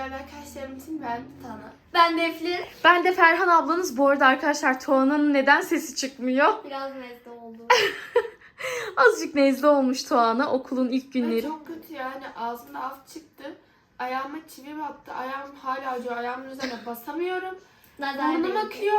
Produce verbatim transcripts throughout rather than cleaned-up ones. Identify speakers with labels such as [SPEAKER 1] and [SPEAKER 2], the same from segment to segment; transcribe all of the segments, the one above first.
[SPEAKER 1] değerli arkadaşlarım için ben Tana.
[SPEAKER 2] Ben de Eflin.
[SPEAKER 3] Ben de Ferhan ablanız. Bu arada arkadaşlar Tuğan'ın neden sesi çıkmıyor?
[SPEAKER 2] Biraz nezle oldu.
[SPEAKER 3] Azıcık nezle olmuş Tuğan'a okulun ilk
[SPEAKER 1] Ay,
[SPEAKER 3] günleri.
[SPEAKER 1] çok kötü yani ağzımda af çıktı. Ayağıma çivi battı. Ayağım hala acıyor. Ayağımın üzerine basamıyorum. Burnum akıyor.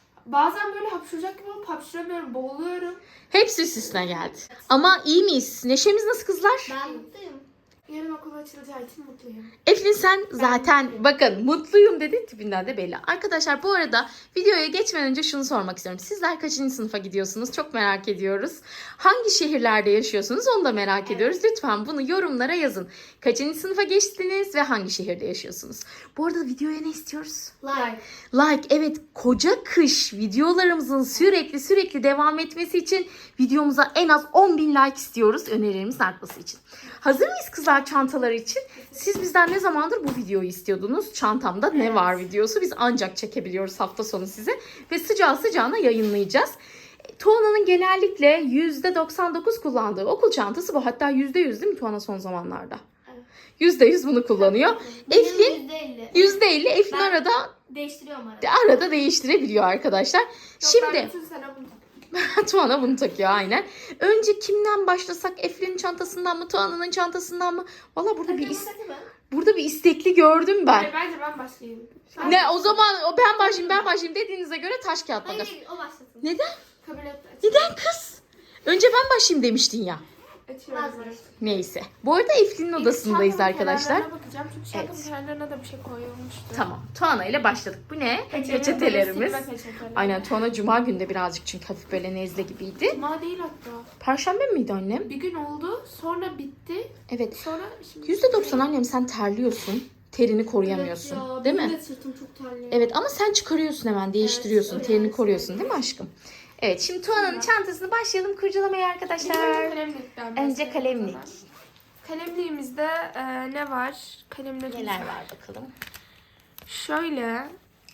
[SPEAKER 1] Bazen böyle hapşıracak gibi olup hapşıramıyorum. Boğuluyorum.
[SPEAKER 3] Hepsi üstüne geldi. Ama iyi miyiz? Neşemiz nasıl kızlar?
[SPEAKER 2] Ben mutluyum.
[SPEAKER 1] Yarın okul açılacağı için mutluyum.
[SPEAKER 3] Eflin sen zaten bakın mutluyum dedi, tipinden de belli. Arkadaşlar bu arada videoya geçmeden önce şunu sormak istiyorum. Sizler kaçıncı sınıfa gidiyorsunuz? Çok merak ediyoruz. Hangi şehirlerde yaşıyorsunuz? Onu da merak evet. ediyoruz. Lütfen bunu yorumlara yazın. Kaçıncı sınıfa geçtiniz ve hangi şehirde yaşıyorsunuz? Bu arada videoya ne istiyoruz?
[SPEAKER 2] Like.
[SPEAKER 3] Like, evet, koca kış videolarımızın sürekli sürekli devam etmesi için videomuza en az on bin like istiyoruz önerilerimiz artması için. Hazır mıyız kızlar çantalar için? Siz bizden ne zamandır bu videoyu istiyordunuz? Çantamda ne var videosu. Biz ancak çekebiliyoruz hafta sonu size. Ve sıcağı sıcağına yayınlayacağız. Tuana'nın genellikle yüzde doksan dokuz kullandığı okul çantası bu. Hatta yüzde yüz değil mi Tuana son zamanlarda? yüzde yüz bunu kullanıyor. Eflin
[SPEAKER 2] yüzde elli.
[SPEAKER 3] yüzde elli. Eflin
[SPEAKER 2] Ben
[SPEAKER 3] arada
[SPEAKER 2] değiştiriyorum arada.
[SPEAKER 3] arada değiştirebiliyor arkadaşlar.
[SPEAKER 1] Yok,
[SPEAKER 3] Şimdi
[SPEAKER 1] ben bütün sene bunu
[SPEAKER 3] Tuana bunu takıyor aynen. Önce kimden başlasak? Eflin'in çantasından mı? Tuana'nın çantasından mı? Valla burada bir is- burada bir istekli gördüm ben.
[SPEAKER 1] Hayır, bence ben başlayayım. Ben
[SPEAKER 3] Ne o zaman o ben başlayayım ben başlayayım dediğinize göre taş kağıt
[SPEAKER 2] Hayır,
[SPEAKER 3] makas.
[SPEAKER 2] hayır, o başlasın.
[SPEAKER 3] Neden?
[SPEAKER 1] kabul et.
[SPEAKER 3] Neden kız? Önce ben başlayayım demiştin ya.
[SPEAKER 1] Açıyorum.
[SPEAKER 2] Vazgeç.
[SPEAKER 3] Neyse. Bu arada Eflin'in odasındayız
[SPEAKER 1] Çantamın
[SPEAKER 3] arkadaşlar.
[SPEAKER 1] kenarlarına bakacağım çünkü çantamın
[SPEAKER 3] Evet.
[SPEAKER 1] kenarlarına da bir şey koyulmuştu.
[SPEAKER 3] Tamam. Tuana ile başladık. Bu ne?
[SPEAKER 1] Peçetelerimiz.
[SPEAKER 3] Peçetelerimiz.
[SPEAKER 1] Silme peçeteleri.
[SPEAKER 3] Aynen Tuana cuma günde birazcık çünkü hafif böyle nezle gibiydi.
[SPEAKER 1] Cuma değil hatta.
[SPEAKER 3] Perşembe miydi annem?
[SPEAKER 1] Bir gün oldu, sonra bitti.
[SPEAKER 3] Evet.
[SPEAKER 1] Sonra şimdi...
[SPEAKER 3] yüzde doksan annem sen terliyorsun. Terini koruyamıyorsun.
[SPEAKER 2] Evet ya,
[SPEAKER 3] değil
[SPEAKER 2] benim
[SPEAKER 3] mi?
[SPEAKER 2] de sırtım çok terliyor.
[SPEAKER 3] Evet ama sen çıkarıyorsun hemen değiştiriyorsun.
[SPEAKER 2] Evet,
[SPEAKER 3] terini
[SPEAKER 2] evet.
[SPEAKER 3] koruyorsun değil mi aşkım? Evet şimdi Tuana'nın çantasını başlayalım kurcalamaya arkadaşlar.
[SPEAKER 1] Kalemlikten
[SPEAKER 3] Önce
[SPEAKER 1] başlayalım
[SPEAKER 3] kalemlik.
[SPEAKER 1] o zaman. Kalemliğimizde e, ne var? Kalemlerimiz
[SPEAKER 3] Neler var bakalım.
[SPEAKER 1] Şöyle.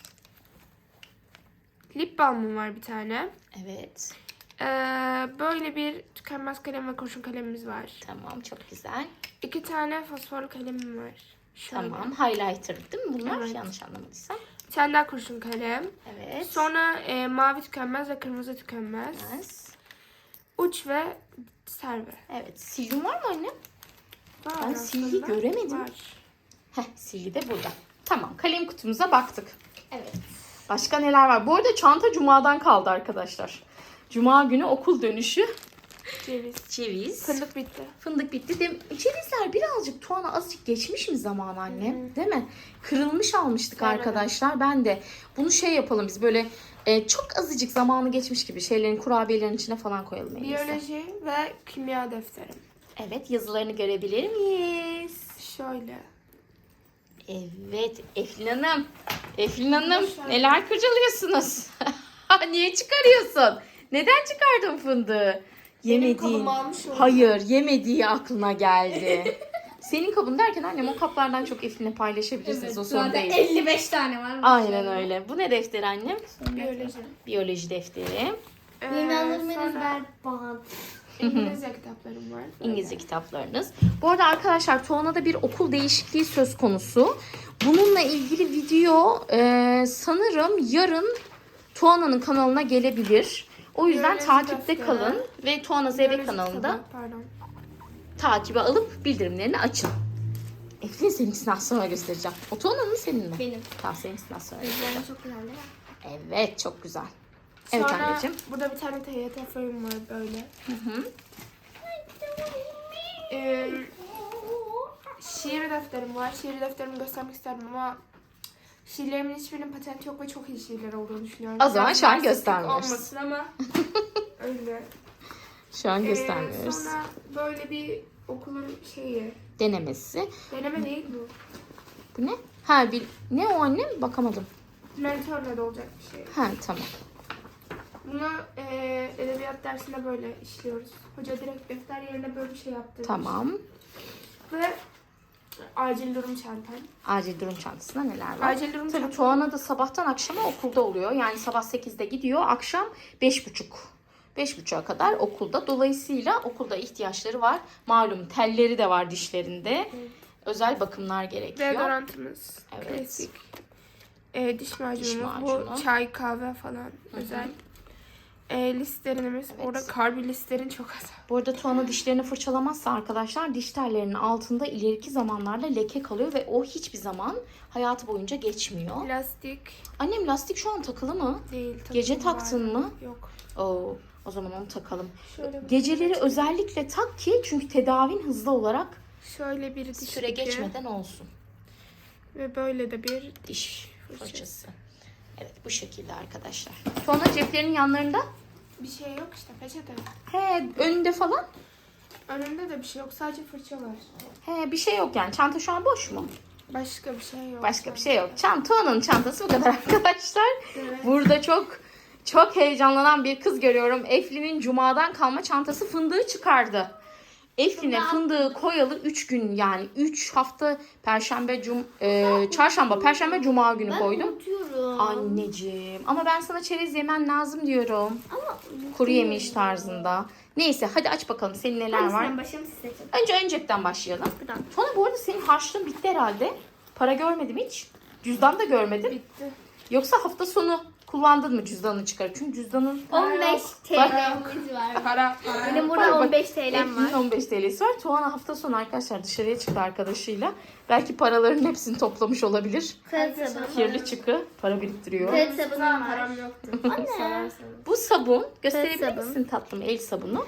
[SPEAKER 1] Lip balmım var bir tane.
[SPEAKER 3] Evet.
[SPEAKER 1] E, böyle bir tükenmez kalem ve kurşun kalemimiz var.
[SPEAKER 3] Tamam çok güzel.
[SPEAKER 1] İki tane fosforlu kalemim var. Şöyle.
[SPEAKER 3] Tamam highlighter değil mi bunlar?
[SPEAKER 1] Evet.
[SPEAKER 3] Yanlış anlamadıysam.
[SPEAKER 1] Bir tane daha kurşun kalem.
[SPEAKER 3] Evet.
[SPEAKER 1] Sonra e, mavi tükenmez ve kırmızı tükenmez.
[SPEAKER 3] Yes.
[SPEAKER 1] Uç ve serve.
[SPEAKER 3] Evet. Silgin var mı anne?
[SPEAKER 1] Var
[SPEAKER 3] Ben
[SPEAKER 1] aslında.
[SPEAKER 3] silgi göremedim.
[SPEAKER 1] Var.
[SPEAKER 3] Heh silgi de burada. Tamam kalem kutumuza baktık.
[SPEAKER 2] Evet.
[SPEAKER 3] Başka neler var? Bu arada çanta cumadan kaldı arkadaşlar. Cuma günü okul dönüşü.
[SPEAKER 1] Ceviz.
[SPEAKER 3] Ceviz.
[SPEAKER 1] Fındık bitti.
[SPEAKER 3] Fındık bitti. De, cevizler birazcık Tuana azıcık geçmiş mi zaman anne? Hı. Değil mi? Kırılmış almıştık
[SPEAKER 1] Evet.
[SPEAKER 3] arkadaşlar. Ben de bunu şey yapalım biz böyle e, çok azıcık zamanı geçmiş gibi şeylerin kurabiyelerin içine falan koyalım en iyisi.
[SPEAKER 1] Biyoloji ve kimya defterim.
[SPEAKER 3] Evet yazılarını görebilir miyiz?
[SPEAKER 1] Şöyle.
[SPEAKER 3] Evet Eflin Hanım. Eflin Hanım
[SPEAKER 1] Şöyle.
[SPEAKER 3] neler kurcalıyorsunuz? Niye çıkarıyorsun? Neden çıkardın fındığı? Yemediğin.
[SPEAKER 1] kabımı almış oldum.
[SPEAKER 3] Hayır, yemediği aklına geldi. Senin kabın derken annem o kaplardan çok Eflin'le paylaşabilirsiniz. o sorun
[SPEAKER 2] zaten
[SPEAKER 3] değil.
[SPEAKER 2] elli beş tane var.
[SPEAKER 3] Aynen öyle. Bu ne defteri annem?
[SPEAKER 1] Biyoloji.
[SPEAKER 3] Biyoloji defteri.
[SPEAKER 1] Ee,
[SPEAKER 2] İnanılmaz
[SPEAKER 1] sonra
[SPEAKER 2] berbat.
[SPEAKER 1] İngilizce kitaplarım var. Böyle.
[SPEAKER 3] İngilizce kitaplarınız. Bu arada arkadaşlar Tuana'da bir okul değişikliği söz konusu. Bununla ilgili video e, sanırım yarın Tuana'nın kanalına gelebilir. O yüzden
[SPEAKER 1] Biyoloji
[SPEAKER 3] takipte
[SPEAKER 1] defteri.
[SPEAKER 3] kalın ve Tuana Zeybek
[SPEAKER 1] Biyoloji
[SPEAKER 3] kanalında
[SPEAKER 1] kitabı, pardon.
[SPEAKER 3] takibe alıp bildirimlerini açın. Eflin seninkisini az sonra göstereceğim. O Tuana'nın senin mi?
[SPEAKER 2] Benim.
[SPEAKER 3] Tamam seninkisini az sonra.
[SPEAKER 2] Gözlerim çok güzel değil mi?
[SPEAKER 3] Evet çok güzel. Evet
[SPEAKER 1] Sonra
[SPEAKER 3] anneciğim.
[SPEAKER 1] burada bir tane T Y T fırım var böyle.
[SPEAKER 3] Hı hı.
[SPEAKER 1] Ee, şiir defterim var. Şiir defterimi göstermek isterdim ama şiirlerimin hiçbirinin patenti yok ve çok iyi şiirler olduğunu düşünüyorum.
[SPEAKER 3] O zaman
[SPEAKER 1] Biraz
[SPEAKER 3] şu an
[SPEAKER 1] narsistik
[SPEAKER 3] göstermiyoruz.
[SPEAKER 1] olmasın ama öyle.
[SPEAKER 3] Şu an
[SPEAKER 1] Ee,
[SPEAKER 3] göstermiyoruz.
[SPEAKER 1] sonra böyle bir okulun şeyi.
[SPEAKER 3] Denemesi.
[SPEAKER 1] Deneme değil bu.
[SPEAKER 3] Bu ne? Ha bir ne o annem? Bakamadım.
[SPEAKER 1] Mentörle de olacak bir şey.
[SPEAKER 3] Ha tamam.
[SPEAKER 1] Bunu e, edebiyat dersinde böyle işliyoruz. Hoca direkt defter yerine böyle bir şey yaptırmış.
[SPEAKER 3] Tamam.
[SPEAKER 1] Ve acil durum çantam.
[SPEAKER 3] Acil durum çantasında neler var?
[SPEAKER 1] Acil durum
[SPEAKER 3] Tabii
[SPEAKER 1] çantam.
[SPEAKER 3] Tuana da sabahtan akşama okulda oluyor. Yani sabah sekizde gidiyor, akşam beş buçuk. beş buçuğa kadar okulda. Dolayısıyla okulda ihtiyaçları var. Malum telleri de var dişlerinde. özel bakımlar gerekiyor.
[SPEAKER 1] Deodorantımız.
[SPEAKER 3] Evet.
[SPEAKER 1] Klasik. Ee, diş macunumuz.
[SPEAKER 3] Diş macunu.
[SPEAKER 1] Bu çay, kahve falan özel. Ee, listeriniz.
[SPEAKER 3] Evet.
[SPEAKER 1] Orada karbi listerin çok az.
[SPEAKER 3] Bu arada Tuana dişlerini fırçalamazsa arkadaşlar diş tellerinin altında ileriki zamanlarda leke kalıyor ve o hiçbir zaman hayatı boyunca geçmiyor.
[SPEAKER 1] Plastik
[SPEAKER 3] Annem lastik şu an takılı mı?
[SPEAKER 1] değil.
[SPEAKER 3] Gece
[SPEAKER 1] takım var.
[SPEAKER 3] taktın mı?
[SPEAKER 1] Yok.
[SPEAKER 3] Oo, o zaman onu takalım.
[SPEAKER 1] Şöyle bir-
[SPEAKER 3] Geceleri özellikle tak ki çünkü tedavin hızlı olarak
[SPEAKER 1] Şöyle bir diş
[SPEAKER 3] süre
[SPEAKER 1] ipi
[SPEAKER 3] geçmeden olsun.
[SPEAKER 1] ve böyle de bir
[SPEAKER 3] Diş
[SPEAKER 1] fırçası.
[SPEAKER 3] fırçası. Evet bu şekilde arkadaşlar. Tuana ceplerinin yanlarında.
[SPEAKER 1] Bir şey yok işte, peçete.
[SPEAKER 3] He önünde falan.
[SPEAKER 1] Önümde de bir şey yok, sadece fırça var.
[SPEAKER 3] He bir şey yok yani. Çanta şu an boş mu?
[SPEAKER 1] Başka bir şey yok.
[SPEAKER 3] Başka bir şey yok. Çanta Tuana'nın çantası bu kadar arkadaşlar.
[SPEAKER 1] Evet.
[SPEAKER 3] Burada çok çok heyecanlanan bir kız görüyorum. Eflin'in cumadan kalma çantası fındığı çıkardı. Eflin'e fındığı koyalı üç gün yani üç hafta perşembe, cum, e, çarşamba, perşembe, cuma günü
[SPEAKER 2] Ben
[SPEAKER 3] koydum.
[SPEAKER 2] unutuyorum.
[SPEAKER 3] Anneciğim ama ben sana çerez yemen lazım diyorum.
[SPEAKER 2] Ama
[SPEAKER 3] Kuru yemiş tarzında. Neyse hadi aç bakalım senin neler var.
[SPEAKER 2] hangisinden başlayalım siz seçin.
[SPEAKER 3] Önce ön cepten başlayalım.
[SPEAKER 2] Buradan.
[SPEAKER 3] Sonra bu arada senin harçlığın bitti herhalde. Para görmedim hiç. Cüzdan da görmedim.
[SPEAKER 1] Bitti.
[SPEAKER 3] Yoksa hafta sonu kullandın mı cüzdanını çıkarıp? Çünkü cüzdanın
[SPEAKER 2] on beş TL'miz var.
[SPEAKER 1] Para, para.
[SPEAKER 2] Benim
[SPEAKER 3] Bak,
[SPEAKER 2] burada
[SPEAKER 3] bak.
[SPEAKER 2] on beş TL'm
[SPEAKER 3] Eflin'in
[SPEAKER 2] var.
[SPEAKER 3] on beş TL'si var. Tuana hafta sonu arkadaşlar dışarıya çıktı arkadaşıyla. Belki paraların hepsini toplamış olabilir.
[SPEAKER 2] Kağıt sabunu.
[SPEAKER 3] Kirli çıkı para biriktiriyor.
[SPEAKER 2] Kağıt sabunum
[SPEAKER 1] Benim
[SPEAKER 2] var.
[SPEAKER 1] param yoktu.
[SPEAKER 2] Anne.
[SPEAKER 1] Sorarsanız.
[SPEAKER 3] Bu sabun gösterebilir
[SPEAKER 2] sabun.
[SPEAKER 3] misin tatlım el sabunu?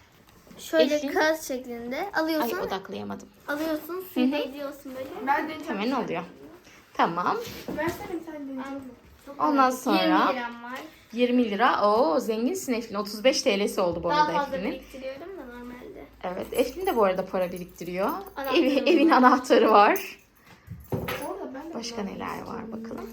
[SPEAKER 2] Şöyle
[SPEAKER 3] Eflin.
[SPEAKER 2] kağıt şeklinde
[SPEAKER 3] Ay
[SPEAKER 2] alıyorsun.
[SPEAKER 3] odaklayamadım.
[SPEAKER 2] Alıyorsun. Suyu değdiriyorsun böyle.
[SPEAKER 1] Ben deneyeceğim.
[SPEAKER 3] Hemen oluyor. Tamam.
[SPEAKER 1] Versene bir tane deneyeceğim. Çok
[SPEAKER 3] Ondan
[SPEAKER 1] merak
[SPEAKER 3] sonra
[SPEAKER 2] yirmi liram var.
[SPEAKER 3] yirmi lira. Oo zenginsin Eflin. otuz beş TL'si oldu bu
[SPEAKER 2] Daha
[SPEAKER 3] arada
[SPEAKER 2] fazla
[SPEAKER 3] Eflin'in.
[SPEAKER 2] biriktiriyorum da normalde.
[SPEAKER 3] Evet Eflin de bu arada para biriktiriyor.
[SPEAKER 2] Anahtarı
[SPEAKER 3] Evi,
[SPEAKER 2] var.
[SPEAKER 3] evin anahtarı var.
[SPEAKER 1] ettim. Orada ben de
[SPEAKER 3] Başka neler var bakalım.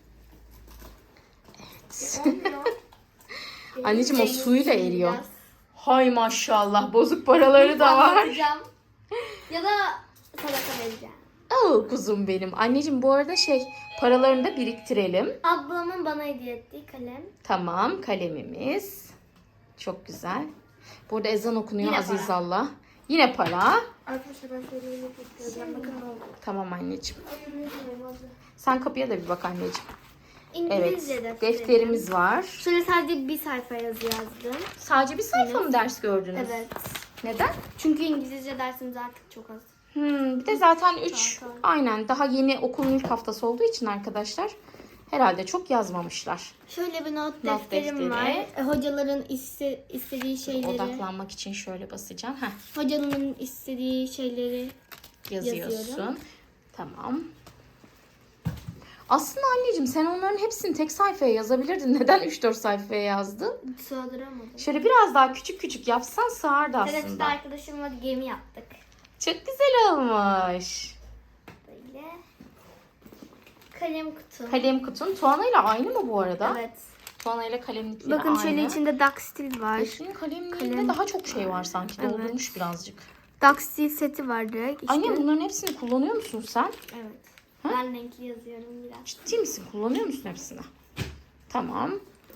[SPEAKER 1] Olmuyor.
[SPEAKER 3] Anneciğim o
[SPEAKER 2] Zengin
[SPEAKER 3] suyla
[SPEAKER 2] şimdi
[SPEAKER 3] eriyor.
[SPEAKER 2] biraz.
[SPEAKER 3] Hay maşallah bozuk paraları da var.
[SPEAKER 2] Anlatacağım. Ya da sadaka vereceğim.
[SPEAKER 3] Oo kuzum benim. Anneciğim bu arada şey paralarını da biriktirelim.
[SPEAKER 2] Ablamın bana hediye ettiği kalem.
[SPEAKER 3] Tamam kalemimiz. Çok güzel. Burada ezan okunuyor
[SPEAKER 2] Yine
[SPEAKER 3] Azizallah. Yine para.
[SPEAKER 1] Arkadaşlar ben şöyle yemek yapıyorum. Bakın ne oldu.
[SPEAKER 3] Tamam anneciğim.
[SPEAKER 1] Ay, yürüyemiyorum abla.
[SPEAKER 3] Sen kapıya da bir bak anneciğim.
[SPEAKER 2] İngilizce
[SPEAKER 3] Evet.
[SPEAKER 2] defterim.
[SPEAKER 3] Defterimiz var.
[SPEAKER 2] Şöyle sadece bir sayfa yazı yazdım.
[SPEAKER 3] Sadece bir sayfa mı ders gördünüz?
[SPEAKER 2] Evet.
[SPEAKER 3] Neden?
[SPEAKER 2] Çünkü İngilizce dersimiz artık çok az.
[SPEAKER 3] Hmm, bir de zaten üç
[SPEAKER 2] Zaten.
[SPEAKER 3] aynen daha yeni okulun ilk haftası olduğu için arkadaşlar herhalde çok yazmamışlar.
[SPEAKER 2] Şöyle bir not,
[SPEAKER 3] Not
[SPEAKER 2] defterim
[SPEAKER 3] defteri.
[SPEAKER 2] var. E, hocaların iste, istediği şeyleri,
[SPEAKER 3] Odaklanmak için şöyle basacağım. Heh,
[SPEAKER 2] hocanın istediği şeyleri
[SPEAKER 3] yazıyorsun.
[SPEAKER 2] Yazıyorum.
[SPEAKER 3] Tamam. Aslında anneciğim sen onların hepsini tek sayfaya yazabilirdin. Neden üç dört sayfaya yazdın?
[SPEAKER 2] sığdıramadım.
[SPEAKER 3] Şöyle biraz daha küçük küçük yapsan sığardı
[SPEAKER 2] Teneffüste
[SPEAKER 3] aslında.
[SPEAKER 2] arkadaşımla gemi yaptık.
[SPEAKER 3] Çok güzel olmuş.
[SPEAKER 2] Böyle. Kalem kutu.
[SPEAKER 3] Kalem kutun Tuana ile aynı mı bu arada?
[SPEAKER 2] Evet.
[SPEAKER 3] Tuana ile kalemlikleri
[SPEAKER 1] Bakın
[SPEAKER 3] aynı.
[SPEAKER 1] şöyle içinde Daxtil var.
[SPEAKER 3] Eflin'in kalemliğinde
[SPEAKER 1] Kalem.
[SPEAKER 3] daha çok şey var sanki.
[SPEAKER 1] Evet.
[SPEAKER 3] Doldurmuş birazcık.
[SPEAKER 1] Daxtil seti var direkt. İşte.
[SPEAKER 3] Anne bunların hepsini kullanıyor musun sen?
[SPEAKER 2] Evet. Ben renkli yazıyorum biraz.
[SPEAKER 3] Ciddi misin? Kullanıyor musun hepsini? Tamam.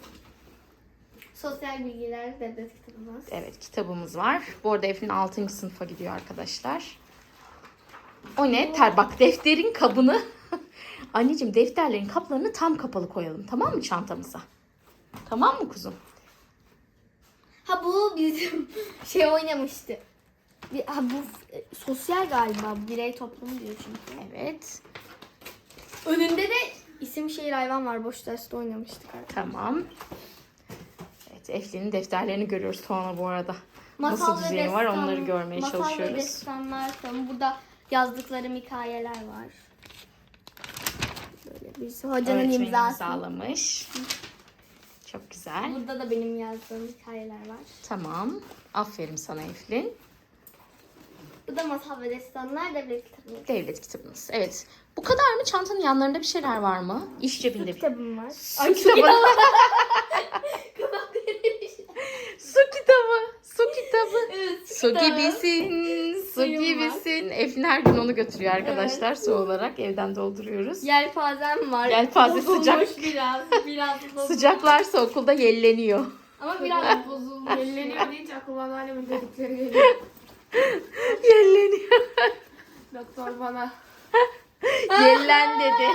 [SPEAKER 2] Sosyal bilgiler devlet kitabımız.
[SPEAKER 3] Evet kitabımız var. Bu arada Eflin altıncı sınıfa gidiyor arkadaşlar. O ne? Ter bak defterin kabını. Anneciğim defterlerin kaplarını tam kapalı koyalım. Tamam mı çantamıza? Tamam mı kuzum?
[SPEAKER 2] Ha bu bizim şey oynamıştı. Bir- Ha bu e, sosyal galiba. Birey toplumu diyor çünkü.
[SPEAKER 3] Evet.
[SPEAKER 2] Önünde de isim şehir hayvan var. Boş derste oynamıştık artık.
[SPEAKER 3] Tamam. Evet Eflin'in defterlerini görüyoruz Tuana bu arada.
[SPEAKER 2] Masal
[SPEAKER 3] Nasıl
[SPEAKER 2] ve
[SPEAKER 3] düzeni var
[SPEAKER 2] destan-
[SPEAKER 3] onları görmeye
[SPEAKER 2] masal
[SPEAKER 3] çalışıyoruz.
[SPEAKER 2] ve destanlar falan. Burada yazdıklarım hikayeler var. Böyle bir hocanın
[SPEAKER 3] Öğretmenim
[SPEAKER 2] imzası.
[SPEAKER 3] imzalamış. Çok güzel.
[SPEAKER 2] Burada da benim yazdığım hikayeler var.
[SPEAKER 3] Tamam. Aferin sana Eflin.
[SPEAKER 2] Bu da masal ve destanlar devlet kitabı.
[SPEAKER 3] Devlet kitabınız. Evet. Bu kadar mı? Çantanın yanlarında bir şeyler var mı? İş cebinde bir.
[SPEAKER 2] Kitabım var.
[SPEAKER 3] Su kitabı. Su kitabı. Su kitabı.
[SPEAKER 2] Evet,
[SPEAKER 3] Su
[SPEAKER 2] kitabı.
[SPEAKER 3] gibisin. Su
[SPEAKER 2] Suyum var.
[SPEAKER 3] gibisin. Eflin her gün onu götürüyor arkadaşlar. Su olarak evden dolduruyoruz.
[SPEAKER 2] Yelpazem var.
[SPEAKER 3] Yelpaze
[SPEAKER 2] Bozulmuş
[SPEAKER 3] sıcak.
[SPEAKER 2] biraz. Biraz bozulmuş.
[SPEAKER 3] Sıcaklarsa okulda yelleniyor.
[SPEAKER 2] Ama biraz bozulmuş.
[SPEAKER 1] Elleniyor deyince aklıma anneannemin dedikleri geliyor.
[SPEAKER 3] Yelleniyor.
[SPEAKER 1] Doktor bana.
[SPEAKER 3] Yellen dedi.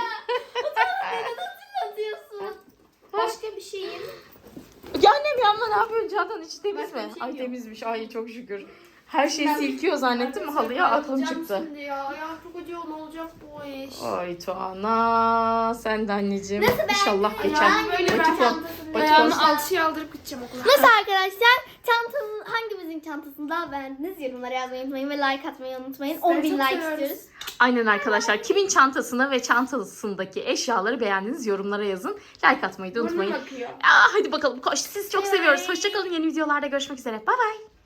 [SPEAKER 2] Atıyorsun. Başka bir şeyim.
[SPEAKER 3] Ya annem yanma ne yapıyorsun Çağatay, içi temiz
[SPEAKER 2] Başka
[SPEAKER 3] mi?
[SPEAKER 2] bir şey
[SPEAKER 3] Ay
[SPEAKER 2] yok.
[SPEAKER 3] temizmiş, ay çok şükür. Her şeyi silkiyor zannettim mi halıya, aklım
[SPEAKER 1] Bayılacağım
[SPEAKER 3] çıktı.
[SPEAKER 1] Şimdi ya. Ayağım çok acıyor, ne olacak bu iş?
[SPEAKER 3] Ay Tuana sen de anneciğim.
[SPEAKER 2] Nasıl beğendin?
[SPEAKER 3] İnşallah geçer.
[SPEAKER 1] Ayağımı böyle
[SPEAKER 3] Batik
[SPEAKER 1] ben
[SPEAKER 3] ol.
[SPEAKER 2] çantasını
[SPEAKER 3] Batik
[SPEAKER 1] Ayağımı
[SPEAKER 3] olsun.
[SPEAKER 1] alçıya aldırıp gideceğim okula.
[SPEAKER 2] Nasıl arkadaşlar? Çantanın hangimizin çantasını daha beğendiniz? Yorumlara yazmayı unutmayın ve like atmayı unutmayın.
[SPEAKER 1] Sizleri
[SPEAKER 2] on bin
[SPEAKER 1] çok
[SPEAKER 2] like
[SPEAKER 1] seviyoruz.
[SPEAKER 2] istiyoruz.
[SPEAKER 3] Aynen arkadaşlar. Kimin çantasını ve çantasındaki eşyaları beğendiniz yorumlara yazın. Like atmayı da
[SPEAKER 1] Burnum
[SPEAKER 3] unutmayın.
[SPEAKER 1] akıyor.
[SPEAKER 3] Aa, hadi bakalım koş. Siz çok
[SPEAKER 2] Bye.
[SPEAKER 3] seviyoruz. Hoşçakalın. Yeni videolarda görüşmek üzere. Bay bay.